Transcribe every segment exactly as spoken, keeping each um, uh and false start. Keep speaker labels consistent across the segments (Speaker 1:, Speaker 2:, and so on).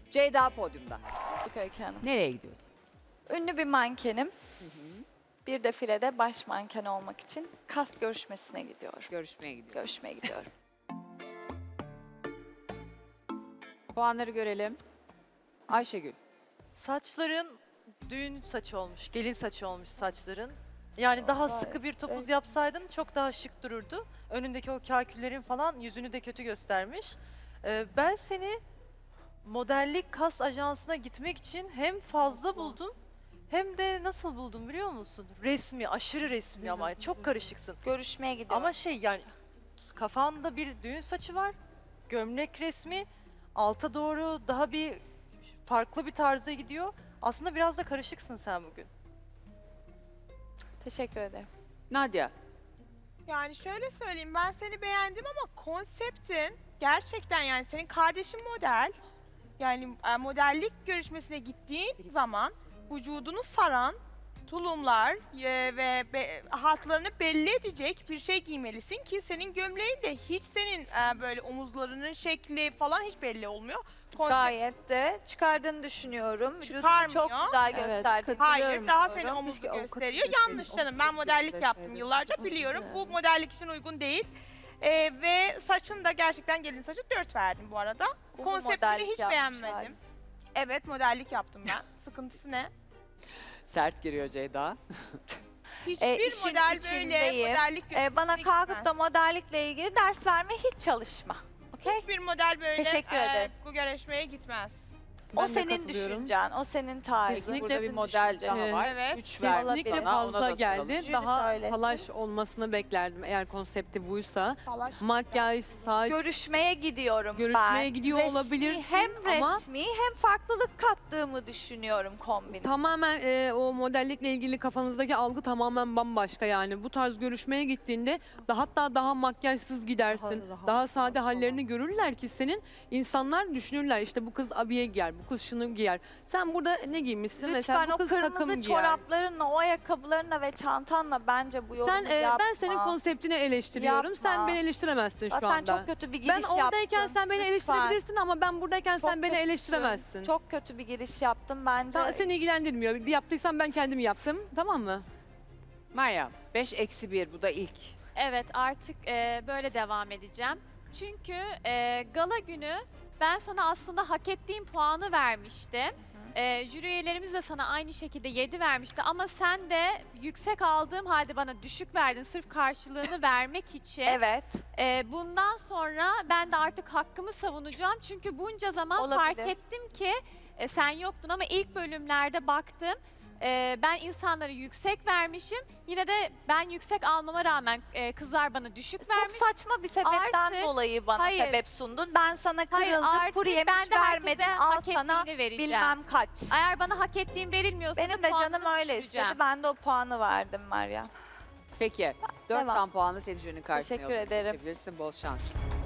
Speaker 1: Ceyda podyumda.
Speaker 2: Öykü Hanım.
Speaker 1: Nereye gidiyorsun?
Speaker 2: Ünlü bir mankenim. Bir defilede baş manken olmak için kast görüşmesine gidiyorum.
Speaker 1: Görüşmeye gidiyorsun.
Speaker 2: Görüşmeye gidiyorum.
Speaker 1: Puanları görelim. Ayşegül.
Speaker 3: Saçların düğün saçı olmuş, gelin saçı olmuş saçların. Yani daha
Speaker 2: Vay,
Speaker 3: sıkı bir topuz
Speaker 2: evet.
Speaker 3: yapsaydın çok daha şık dururdu. Önündeki o kaküllerin falan yüzünü de kötü göstermiş. Ee, ben seni modellik kas ajansına gitmek için hem fazla buldum hem de nasıl buldum biliyor musun? Resmi, aşırı resmi ama çok karışıksın.
Speaker 2: Görüşmeye gidiyorum.
Speaker 3: Ama şey yani kafanda bir düğün saçı var, gömlek resmi, alta doğru daha bir farklı bir tarza gidiyor. Aslında biraz da karışıksın sen bugün.
Speaker 2: Teşekkür ederim.
Speaker 1: Nadia.
Speaker 4: Yani şöyle söyleyeyim, ben seni beğendim ama konseptin gerçekten, yani senin kardeşin model. Yani e, modellik görüşmesine gittiğin zaman vücudunu saran tulumlar e, ve be, hatlarını belli edecek bir şey giymelisin ki senin gömleğin de hiç senin e, böyle omuzlarının şekli falan hiç belli olmuyor. Konsept-
Speaker 2: Gayet de çıkardığını düşünüyorum. Vücudunu
Speaker 4: Çıkarmıyor.
Speaker 2: çok güzel
Speaker 5: Evet,
Speaker 2: gösterdi.
Speaker 4: Hayır, daha
Speaker 2: Diyorum.
Speaker 4: seni omuzlu
Speaker 5: Keşke avukat
Speaker 4: gösteriyor.
Speaker 5: göstereyim.
Speaker 4: Yanlış canım.
Speaker 5: Avukat
Speaker 4: Ben modellik yaptım
Speaker 5: gösterseydim.
Speaker 4: yıllarca, biliyorum. Bu modellik için uygun değil. Ee, ve saçın da gerçekten gelin saçı dört verdim bu arada.
Speaker 2: Bu
Speaker 4: Konseptini
Speaker 2: modellik
Speaker 4: hiç
Speaker 2: yapmış
Speaker 4: beğenmedim.
Speaker 2: hali.
Speaker 4: Evet, modellik yaptım ben. Sıkıntısı ne?
Speaker 1: Sert giriyor Ceyda.
Speaker 4: Hiçbir
Speaker 2: E, işin
Speaker 4: model böyle
Speaker 2: içindeyim.
Speaker 4: modellik
Speaker 2: Ee, bana
Speaker 4: gösterisi
Speaker 2: kalkıp
Speaker 4: gitmez.
Speaker 2: da modellikle ilgili ders verme hiç çalışma. Okey?
Speaker 4: Hiçbir model böyle
Speaker 2: Teşekkür
Speaker 4: e,
Speaker 2: ederim.
Speaker 4: bu görüşmeye gitmez.
Speaker 2: O
Speaker 5: Ben de
Speaker 2: senin
Speaker 5: katılıyorum.
Speaker 2: düşüncen, o senin tarzın.
Speaker 5: Kesinlikle
Speaker 1: Burada bir
Speaker 2: senin
Speaker 1: model
Speaker 2: düşüncen.
Speaker 1: daha var.
Speaker 4: Evet.
Speaker 1: Üç verdim
Speaker 5: Kesinlikle
Speaker 1: sana, ona
Speaker 5: fazla
Speaker 1: da
Speaker 5: geldi.
Speaker 1: soralım.
Speaker 2: Jüri
Speaker 5: Daha
Speaker 2: söylesin.
Speaker 5: salaş olmasını beklerdim eğer konsepti buysa.
Speaker 4: Salaş.
Speaker 5: Makyaj, saç,
Speaker 2: Görüşmeye gidiyorum
Speaker 5: Görüşmeye
Speaker 2: ben.
Speaker 5: gidiyor
Speaker 2: Resmi,
Speaker 5: olabilirsin
Speaker 2: hem
Speaker 5: ama-
Speaker 2: resmi hem farklılık kattığımı düşünüyorum kombine.
Speaker 5: tamamen e, o modellikle ilgili kafanızdaki algı tamamen bambaşka yani. Bu tarz görüşmeye gittiğinde daha hatta daha makyajsız gidersin.
Speaker 3: Daha
Speaker 5: Daha,
Speaker 3: rahat,
Speaker 5: sade
Speaker 3: daha
Speaker 5: hallerini görürler ki senin. İnsanlar düşünürler işte bu kız abiye giyer, bu kız şunu giyer. Sen burada ne giymişsin? Mesela
Speaker 2: Lütfen
Speaker 5: bu
Speaker 2: o
Speaker 5: kız takım
Speaker 2: kırmızı
Speaker 5: giyer.
Speaker 2: çoraplarınla, o ayakkabılarınla ve çantanla bence bu yorumu
Speaker 5: Sen e,
Speaker 2: yapma.
Speaker 5: ben senin konseptini eleştiriyorum. Sen
Speaker 2: Yapma.
Speaker 5: beni eleştiremezsin şu
Speaker 2: Zaten
Speaker 5: anda.
Speaker 2: çok kötü bir
Speaker 5: Ben
Speaker 2: giriş
Speaker 5: oradayken
Speaker 2: yaptın.
Speaker 5: sen beni
Speaker 2: Lütfen.
Speaker 5: eleştirebilirsin ama ben buradayken
Speaker 2: Çok
Speaker 5: sen beni
Speaker 2: kötüsün.
Speaker 5: eleştiremezsin.
Speaker 2: Çok kötü bir giriş yaptım bence.
Speaker 5: Ta- seni ilgilendirmiyor. Bir yaptıysam ben kendim yaptım. Tamam mı?
Speaker 1: Meryem. Beş eksi bir. Bu da ilk.
Speaker 6: Evet, artık e, böyle devam edeceğim. Çünkü e, gala günü ben sana aslında hak ettiğim puanı vermiştim. E, jüri üyelerimiz de sana aynı şekilde yedi vermişti ama sen de yüksek aldığım halde bana düşük verdin sırf karşılığını vermek için.
Speaker 2: Evet.
Speaker 6: E, bundan sonra ben de artık hakkımı savunacağım. Çünkü bunca zaman
Speaker 2: Olabilir.
Speaker 6: fark ettim ki e, sen yoktun ama ilk bölümlerde baktım. e, ben insanlara yüksek vermişim. Yine de ben yüksek almama rağmen e, kızlar bana düşük
Speaker 2: Çok
Speaker 6: vermiş.
Speaker 2: saçma bir sebepten
Speaker 6: Artık-
Speaker 2: dolayı bana
Speaker 6: Hayır.
Speaker 2: sebep sundun. Ben sana
Speaker 6: Hayır,
Speaker 2: kırıldım,
Speaker 6: artık
Speaker 2: kuru yemiş
Speaker 6: ben de
Speaker 2: vermedim.
Speaker 6: herkese
Speaker 2: Al
Speaker 6: hak
Speaker 2: sana
Speaker 6: ettiğini vereceğim.
Speaker 2: bilmem kaç.
Speaker 6: Eğer bana hak ettiğim verilmiyorsa
Speaker 2: Benim
Speaker 6: da
Speaker 2: de
Speaker 6: puanını
Speaker 2: canım öyle
Speaker 6: düşüreceğim.
Speaker 2: istedi. Ben de o puanı verdim Meryem.
Speaker 1: Peki. Dört
Speaker 2: Devam.
Speaker 1: tam puanla seni jürinin karşısına
Speaker 2: Teşekkür
Speaker 1: yollayıp
Speaker 2: ederim.
Speaker 1: çekebilirsin. Bol şans.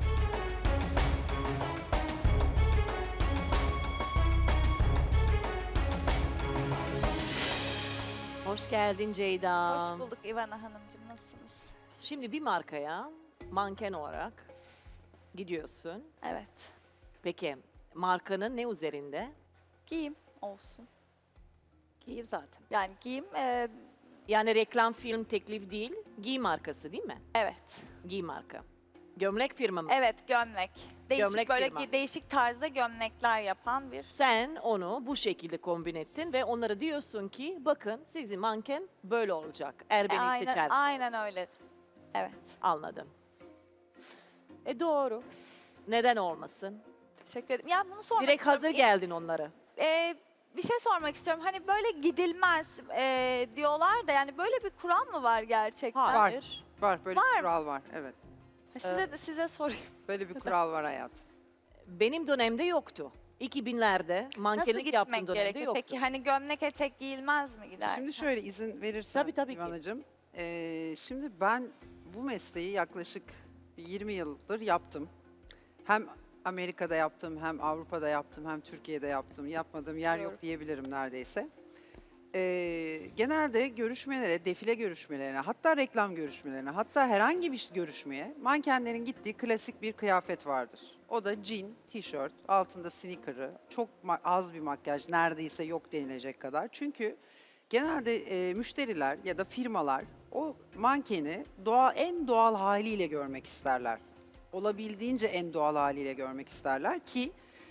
Speaker 7: Hoş geldin Ceyda.
Speaker 2: Hoş bulduk İvana Hanımcığım. Nasılsınız?
Speaker 7: Şimdi bir markaya manken olarak gidiyorsun.
Speaker 2: Evet.
Speaker 7: Peki markanın ne üzerinde?
Speaker 2: Giyim olsun.
Speaker 1: Giyim zaten.
Speaker 2: Yani giyim, e,
Speaker 7: Yani reklam film teklif değil, giy markası değil mi?
Speaker 2: evet.
Speaker 7: Giy marka. Gömlek firma mı?
Speaker 2: Evet, gömlek. Değişik
Speaker 7: Gömlek
Speaker 2: böyle
Speaker 7: firma.
Speaker 2: gi- değişik tarzda gömlekler yapan bir.
Speaker 7: Sen onu bu şekilde kombin ettin ve onlara diyorsun ki bakın sizin manken böyle olacak. Eğer
Speaker 2: E,
Speaker 7: beni
Speaker 2: aynen,
Speaker 7: seçerseniz.
Speaker 2: aynen öyle. Evet.
Speaker 7: Anladım. E doğru. Neden olmasın?
Speaker 2: Teşekkür ederim. Ya bunu sormak
Speaker 7: Direkt hazır
Speaker 2: istiyorum.
Speaker 7: geldin onlara.
Speaker 2: E, bir şey sormak istiyorum. Hani böyle gidilmez e, diyorlar da yani böyle bir kural mı var gerçekten?
Speaker 7: Hayır.
Speaker 8: Var, böyle
Speaker 2: Var
Speaker 8: bir
Speaker 2: mı?
Speaker 8: kural var. Evet,
Speaker 2: Size de size sorayım.
Speaker 8: böyle bir kural var hayatım.
Speaker 7: Benim dönemde yoktu. iki binlerde
Speaker 2: Nasıl
Speaker 7: mankenlik yaptığım
Speaker 2: gitmek
Speaker 7: dönemde
Speaker 2: gerekiyor?
Speaker 7: yoktu.
Speaker 2: Peki hani gömlek etek giyilmez mi gider?
Speaker 8: Şimdi şöyle izin verirsen
Speaker 7: Tabii, tabii ki.
Speaker 8: İvanacığım. Ee, şimdi ben bu mesleği yaklaşık yirmi yıldır yaptım. Hem Amerika'da yaptım, hem Avrupa'da yaptım, hem Türkiye'de yaptım. Yapmadığım yer
Speaker 2: Doğru.
Speaker 8: yok diyebilirim neredeyse. Ee, genelde görüşmelere, defile görüşmelerine, hatta reklam görüşmelerine, hatta herhangi bir görüşmeye mankenlerin gittiği klasik bir kıyafet vardır. O da jean, tişört, altında sneaker'ı, çok ma- az bir makyaj, neredeyse yok denilecek kadar. Çünkü genelde e, müşteriler ya da firmalar o mankeni doğal, en doğal haliyle görmek isterler. Olabildiğince en doğal haliyle görmek isterler ki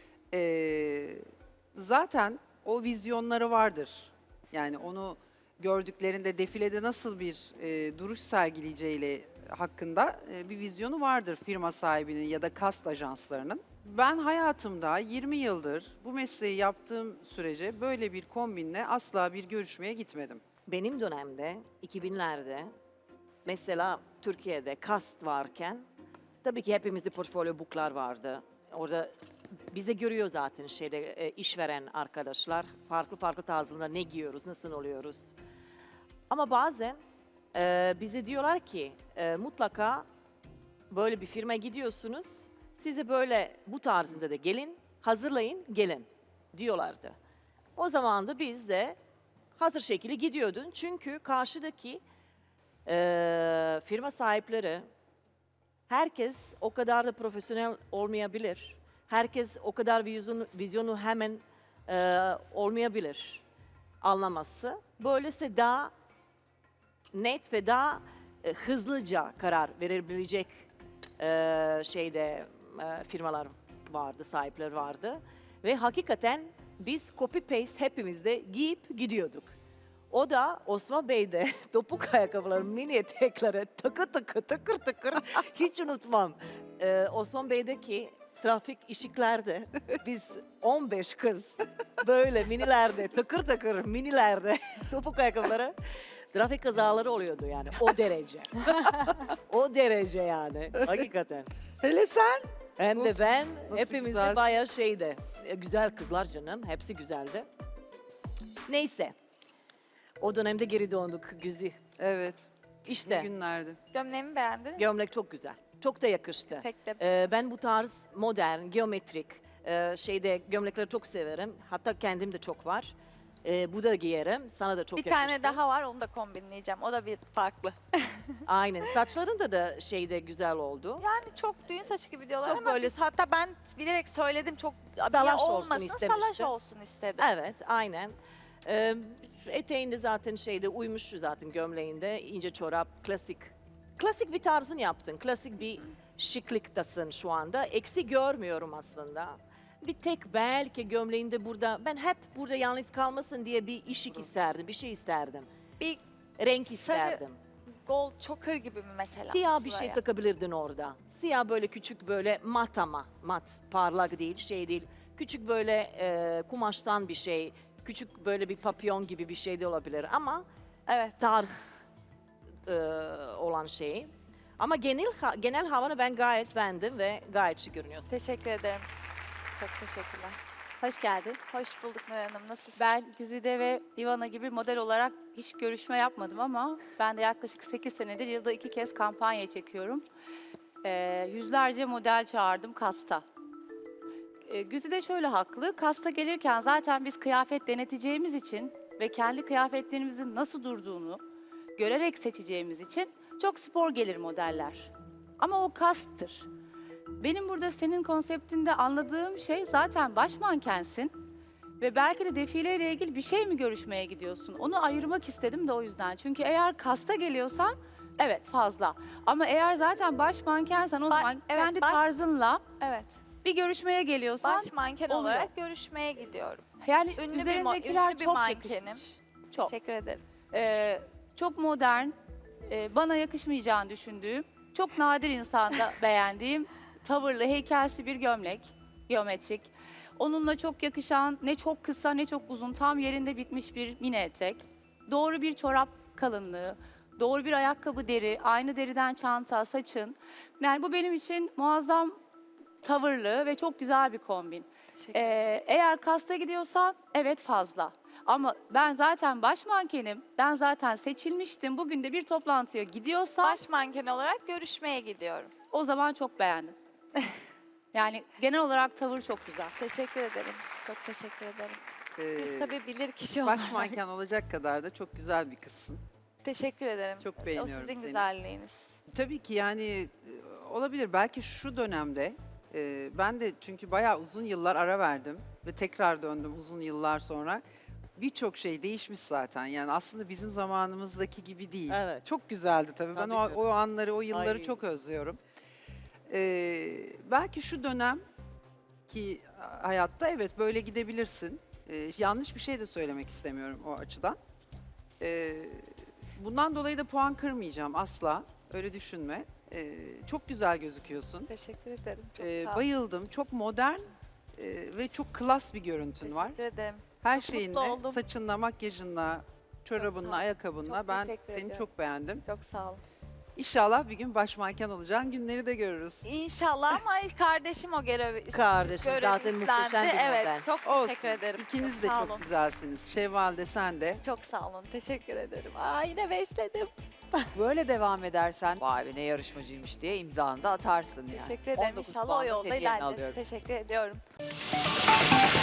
Speaker 8: e, zaten o vizyonları vardır. Yani onu gördüklerinde defilede nasıl bir e, duruş sergileyeceğiyle hakkında e, bir vizyonu vardır firma sahibinin ya da kast ajanslarının. Ben hayatımda yirmi yıldır bu mesleği yaptığım sürece böyle bir kombinle asla bir görüşmeye gitmedim.
Speaker 7: Benim dönemde iki binlerde mesela Türkiye'de kast varken tabii ki hepimizde portfolyo booklar vardı. Orada bize görüyor zaten şeyde e, işveren arkadaşlar farklı farklı tarzında ne giyiyoruz, nasıl oluyoruz. Ama bazen e, bize diyorlar ki e, mutlaka böyle bir firma gidiyorsunuz. Size böyle bu tarzında da gelin, hazırlayın, gelin diyorlardı. O zaman da biz de hazır şekilde gidiyordun. Çünkü karşıdaki e, firma sahipleri herkes o kadar da profesyonel olmayabilir. Herkes o kadar vizyon, vizyonu hemen e, olmayabilir anlaması. Böylesi daha net ve daha e, hızlıca karar verebilecek e, şeyde e, firmalar vardı, sahipler vardı. Ve hakikaten biz copy paste hepimiz de giyip gidiyorduk. O da Osman Bey'de topuk ayakkabıları, mini etekleri takır takır takır takır hiç unutmam. Ee, Osman Bey'deki trafik ışıklarda biz on beş kız böyle minilerde takır takır minilerde topuk ayakkabıları trafik kazaları oluyordu yani o derece. O derece yani hakikaten.
Speaker 8: Hele sen?
Speaker 7: Hem de ben hepimiz de
Speaker 8: güzelsin.
Speaker 7: bayağı şeydi. E, Güzel kızlar canım. Hepsi güzeldi. Neyse. O dönemde geri döndük Güzi.
Speaker 8: Evet. Ne
Speaker 7: İşte
Speaker 8: günlerdi.
Speaker 2: Gömleğimi beğendin mi?
Speaker 7: gömlek çok güzel. Çok da yakıştı.
Speaker 2: Pek de.
Speaker 7: Ee, ben bu tarz modern, geometrik e, şeyde gömlekleri çok severim. Hatta kendim de çok var. Ee, bu da giyerim. Sana da çok
Speaker 2: Bir
Speaker 7: yakıştı.
Speaker 2: tane daha var, onu da kombinleyeceğim. O da bir farklı.
Speaker 7: Aynen. Saçların da da şeyde güzel oldu.
Speaker 2: Yani çok düğün saçı gibi diyorlar
Speaker 7: Çok
Speaker 2: ama
Speaker 7: böyle-
Speaker 2: biz, hatta ben bilerek söyledim, çok
Speaker 7: Salaş
Speaker 2: abiye
Speaker 7: olsun
Speaker 2: olmasın,
Speaker 7: istemişti.
Speaker 2: salaş olsun istedim.
Speaker 7: Evet, aynen. Ee, eteğinde zaten şeyde uymuş zaten gömleğinde. İnce çorap, klasik. Klasik bir tarzını yaptın. Klasik bir şıklıktasın şu anda. Eksi görmüyorum aslında. Bir tek belki gömleğinde burada, ben hep burada yalnız kalmasın diye bir ışık isterdim, bir şey isterdim.
Speaker 2: Bir
Speaker 7: Renk
Speaker 2: sarı
Speaker 7: isterdim.
Speaker 2: gold choker gibi mi mesela?
Speaker 7: Siyah bir şey
Speaker 2: şuraya?
Speaker 7: takabilirdin orada. Siyah böyle küçük böyle mat ama mat parlak değil şey değil. Küçük böyle e, kumaştan bir şey. Küçük böyle bir papyon gibi bir şey de olabilir ama
Speaker 2: Evet.
Speaker 7: tarz e, olan şey. Ama genel ha- genel havanı ben gayet beğendim ve gayet şık görünüyorsun.
Speaker 2: Teşekkür ederim. Çok teşekkürler.
Speaker 9: Hoş geldin.
Speaker 2: Hoş bulduk Nur Hanım. Nasılsın?
Speaker 9: Ben Güzide ve Ivana gibi model olarak hiç görüşme yapmadım ama ben de yaklaşık sekiz senedir yılda iki kez kampanya çekiyorum. Ee, yüzlerce model çağırdım Kasta. Ee, Güzide şöyle haklı. Kasta gelirken zaten biz kıyafet deneteceğimiz için ve kendi kıyafetlerimizin nasıl durduğunu görerek seçeceğimiz için çok spor gelir modeller. Ama o kasttır. Benim burada senin konseptinde anladığım şey zaten baş mankensin ve belki de defileyle ilgili bir şey mi görüşmeye gidiyorsun? Onu ayırmak istedim de o yüzden. Çünkü eğer kasta geliyorsan evet fazla. Ama eğer zaten baş mankensen o
Speaker 2: Ba-
Speaker 9: zaman
Speaker 2: evet,
Speaker 9: kendi
Speaker 2: baş-
Speaker 9: tarzınla
Speaker 2: Evet.
Speaker 9: bir görüşmeye geliyorsan
Speaker 2: Baş manken
Speaker 9: oluyor.
Speaker 2: olarak görüşmeye gidiyorum.
Speaker 9: yani
Speaker 2: Ünlü bir, mo-
Speaker 9: üzerindekiler
Speaker 2: ünlü bir
Speaker 9: çok
Speaker 2: mankenim.
Speaker 9: yakışmış. Çok.
Speaker 2: Teşekkür ederim.
Speaker 9: Ee, çok modern, e, bana yakışmayacağını düşündüğüm, çok nadir insanda beğendiğim tavırlı, heykelsi bir gömlek, geometrik. Onunla çok yakışan, ne çok kısa ne çok uzun, tam yerinde bitmiş bir mini etek. Doğru bir çorap kalınlığı, doğru bir ayakkabı deri, aynı deriden çanta, saçın. Yani bu benim için muazzam tavırlı ve çok güzel bir kombin.
Speaker 2: Teşekkür
Speaker 9: Ee, eğer kasta gidiyorsan evet fazla. Ama ben zaten baş mankenim, ben zaten seçilmiştim. Bugün de bir toplantıya gidiyorsam
Speaker 2: Baş manken olarak görüşmeye gidiyorum.
Speaker 9: o zaman çok beğendim. Yani genel olarak tavır çok güzel.
Speaker 2: Teşekkür ederim. Çok teşekkür ederim.
Speaker 8: Ee,
Speaker 2: Siz tabii bilir kişi
Speaker 8: baş
Speaker 2: olarak.
Speaker 8: manken olacak kadar da çok güzel bir kızsın.
Speaker 2: Teşekkür ederim.
Speaker 8: Çok
Speaker 2: O
Speaker 8: beğeniyorum
Speaker 2: sizin
Speaker 8: seni.
Speaker 2: güzelliğiniz.
Speaker 8: Tabii ki yani e, olabilir. Belki şu dönemde e, ben de çünkü bayağı uzun yıllar ara verdim ve tekrar döndüm uzun yıllar sonra. Birçok şey değişmiş zaten. Yani aslında bizim zamanımızdaki gibi değil.
Speaker 7: Evet.
Speaker 8: Çok güzeldi tabii. Ben
Speaker 7: Tabii
Speaker 8: o,
Speaker 7: ki.
Speaker 8: o anları, o yılları
Speaker 7: Ay.
Speaker 8: çok özlüyorum. Ee, belki şu dönem ki hayatta evet böyle gidebilirsin. Ee, yanlış bir şey de söylemek istemiyorum o açıdan. Ee, bundan dolayı da puan kırmayacağım asla. Öyle düşünme. Ee, çok güzel gözüküyorsun.
Speaker 2: Teşekkür ederim. Çok
Speaker 8: Ee,
Speaker 2: sağ olun.
Speaker 8: bayıldım. Çok modern e, ve çok klas bir görüntün var.
Speaker 2: Teşekkür ederim.
Speaker 8: Her
Speaker 2: Çok
Speaker 8: şeyinle,
Speaker 2: mutlu oldum.
Speaker 8: saçınla, makyajınla, çorabınla,
Speaker 2: sağ ol.
Speaker 8: ayakkabınla
Speaker 2: Çok
Speaker 8: ben
Speaker 2: teşekkür
Speaker 8: seni
Speaker 2: ediyorum.
Speaker 8: çok beğendim.
Speaker 2: Çok sağ olun.
Speaker 8: İnşallah bir gün baş manken olacağın günleri de görürüz.
Speaker 2: İnşallah ama kardeşim o görevi
Speaker 7: Kardeşim
Speaker 2: görev
Speaker 7: zaten muhteşem
Speaker 2: üstlendi.
Speaker 7: bir
Speaker 2: Evet,
Speaker 7: model.
Speaker 2: çok
Speaker 8: Olsun.
Speaker 2: teşekkür ederim.
Speaker 8: İkiniz de
Speaker 2: Sağ
Speaker 8: çok
Speaker 2: olun.
Speaker 8: güzelsiniz. Şevvalde sen de.
Speaker 2: Çok sağ olun. Teşekkür ederim. Aa yine beşledim.
Speaker 1: Böyle devam edersen vay be ne yarışmacıymış diye imzanı da atarsın yani.
Speaker 2: Teşekkür ederim.
Speaker 1: on dokuz
Speaker 2: İnşallah o
Speaker 1: puanla
Speaker 2: yolda
Speaker 1: hediyeni
Speaker 2: ilerleriz.
Speaker 1: alıyorum.
Speaker 2: Teşekkür ediyorum.